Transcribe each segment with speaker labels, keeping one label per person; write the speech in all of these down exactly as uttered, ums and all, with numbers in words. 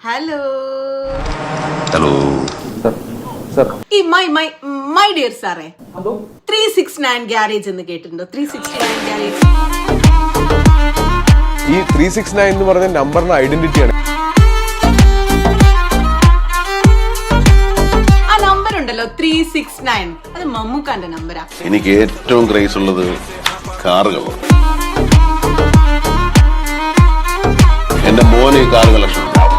Speaker 1: Hello
Speaker 2: hello
Speaker 1: ഈ my my my dear സാറേ, three six nine garage എന്ന് കേട്ടിട്ടുണ്ടോ? Three six nine garage.
Speaker 3: ഈ ത്രീ സിക്സ് നയൻ എന്ന് പറഞ്ഞ നമ്പറിന്റെ ഐഡന്റിറ്റിയാണ്.
Speaker 1: ആ നമ്പർ ഉണ്ടല്ലോ ത്രീ സിക്സ് നയൻ, അത് മമ്മൂക്കാന്റെ നമ്പരാ.
Speaker 2: എനിക്ക് ഏറ്റവും ക്രേസ് ഉള്ളത് കാറുകളാണ്. എന്റെ മോന് കാർ കളക്ഷൻ.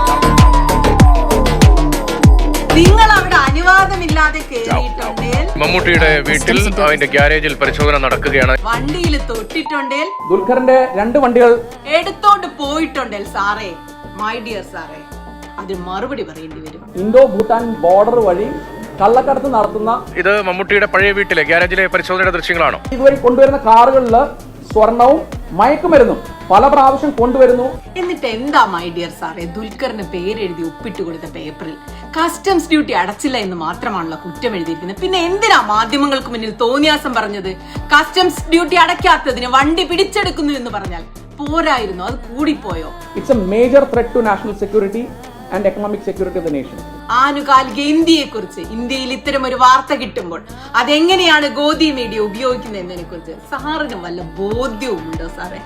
Speaker 1: നിങ്ങൾ അവിടെ അനുവാദമില്ലാതെ കേറിയിട്ടുണ്ടേൽ,
Speaker 4: മമ്മൂട്ടിയുടെ വീട്ടിൽ അതിന്റെ ഗ്യാരേജിൽ പരിശോധന നടക്കുകയാണ്.
Speaker 1: വണ്ടിയിൽ തൊട്ടിട്ടുണ്ടേൽ,
Speaker 5: ദുൽഖറിന്റെ രണ്ട് വണ്ടികൾ
Speaker 1: എടുത്തോണ്ട് പോയിട്ടുണ്ടേൽ സാറേ, മൈ ഡിയർ സാറേ, അതിന് മറുപടി പറയേണ്ടി വരും.
Speaker 5: ഇന്തോ ഭൂട്ടാൻ ബോർഡർ വഴി കള്ളക്കടത്ത് നടത്തുന്ന
Speaker 4: ഇത് മമ്മൂട്ടിയുടെ പഴയ വീട്ടിലെ ഗ്യാരേജിലെ പരിശോധനയുടെ ദൃശ്യങ്ങളാണോ?
Speaker 5: ഇതുവഴി കൊണ്ടുവരുന്ന കാറുകളിൽ സ്വർണവും മയക്കുമരുന്നും പല പ്രാവശ്യം കൊണ്ടുവരുന്നു.
Speaker 1: എന്നിട്ട് എന്താ മൈ ഡിയർ സാറേ, ദുൽഖറിന് പേരെഴുതി ഒപ്പിട്ട് കൊടുത്ത പേപ്പറിൽ കസ്റ്റംസ് ഡ്യൂട്ടി അടച്ചില്ല എന്ന് മാത്രമാണല്ലോ കുറ്റം എഴുതിയിരിക്കുന്നത്. പിന്നെ എന്തിനാ മാധ്യമങ്ങൾക്ക് മുന്നിൽ തോന്നിയാസം പറഞ്ഞത്? കസ്റ്റംസ് ഡ്യൂട്ടി അടയ്ക്കാത്തതിന് വണ്ടി പിടിച്ചെടുക്കുന്നു എന്ന് പറഞ്ഞാൽ പോരായിരുന്നു? അത് കൂടിപ്പോയോ?
Speaker 5: It's a major threat to national security and economic security of the nation.
Speaker 1: ആനുകാലിക ഇന്ത്യയെ കുറിച്ച് ഇന്ത്യയിൽ ഇത്തരം ഒരു വാർത്ത കിട്ടുമ്പോൾ അതെങ്ങനെയാണ് ഗോദി മീഡിയ ഉപയോഗിക്കുന്നത് എന്നതിനെ കുറിച്ച് സാറിന് വല്ല ബോധ്യവും ഉണ്ടോ സാറേ?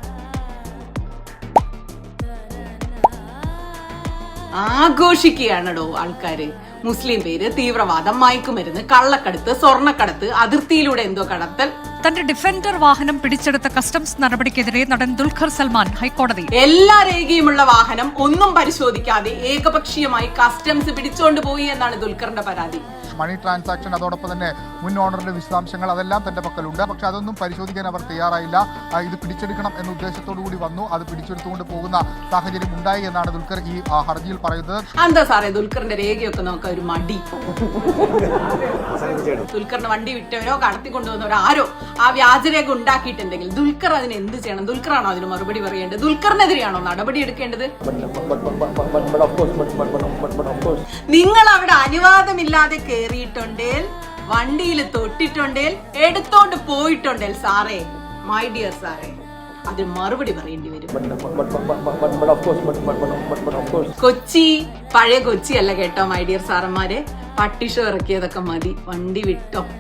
Speaker 1: ആഘോഷിക്കുകയാണോ ആൾക്കാര്? മുസ്ലിം പേര്, തീവ്രവാദം, മയക്കുമരുന്ന്, കള്ളക്കടത്ത്, സ്വർണ്ണക്കടത്ത്, അതിർത്തിയിലൂടെ എന്തോ കടത്തൽ.
Speaker 6: തന്റെ ഡിഫൻഡർ വാഹനം പിടിച്ചെടുത്ത കസ്റ്റംസ് നടപടിക്കെതിരെ നടൻ ദുൽഖർ സൽമാൻ ഹൈക്കോടതി.
Speaker 1: എല്ലാ രേഖയുമുള്ള വാഹനം ഒന്നും പരിശോധിക്കാതെ ഏകപക്ഷീയമായി കസ്റ്റംസ് പിടിച്ചോണ്ട് പോയി എന്നാണ് ദുൽഖറിന്റെ പരാതി.
Speaker 7: മണി ട്രാൻസാക്ഷൻ, അതോടൊപ്പം തന്നെ മുൻ ഓണറിന്റെ വിശദാംശങ്ങൾ അതെല്ലാം തന്റെ പക്കലുണ്ട്. പക്ഷെ അതൊന്നും പരിശോധിക്കാൻ അവർ തയ്യാറായില്ല. ഇത് പിടിച്ചെടുക്കണം എന്ന ഉദ്ദേശത്തോടു കൂടി വന്നു, അത് പിടിച്ചെടുത്തുകൊണ്ട് പോകുന്ന സാഹചര്യം ഉണ്ടായി എന്നാണ് ദുൽഖർ ഈ ഹർജിയിൽ പറയുന്നത്.
Speaker 1: എന്താ സാറേ ദുൽഖറിന്റെ രേഖയൊക്കെ നോക്കാൻ ഒരു മടി? ദുൽഖറിന് വണ്ടി വിറ്റവരോ കടത്തിക്കൊണ്ടുവന്നവരോ ആരോ ആ വ്യാജരേഖ ഉണ്ടാക്കിയിട്ടുണ്ടെങ്കിൽ ദുൽഖർ അതിന് എന്ത് ചെയ്യണം? ദുൽഖറാണോ അതിന് മറുപടി പറയേണ്ടത്? ദുൽഖറിനെതിരെയാണോ നടപടി എടുക്കേണ്ടത്? നിങ്ങൾ അവിടെ അനുവാദമില്ലാതെ കേറിയിട്ടുണ്ടേൽ, വണ്ടിയിൽ തൊട്ടിട്ടുണ്ടേൽ, എടുത്തോണ്ട് പോയിട്ടുണ്ടേൽ സാറേ, മൈ ഡിയർ സാറേ, അതിന് മറുപടി പറയേണ്ടി വരും. കൊച്ചി പഴയ കൊച്ചി അല്ല കേട്ടോ മൈ ഡിയർ സാറന്മാരെ. പട്ടിഷോ ഇറക്കിയതൊക്കെ മതി, വണ്ടി വിട്ടോ.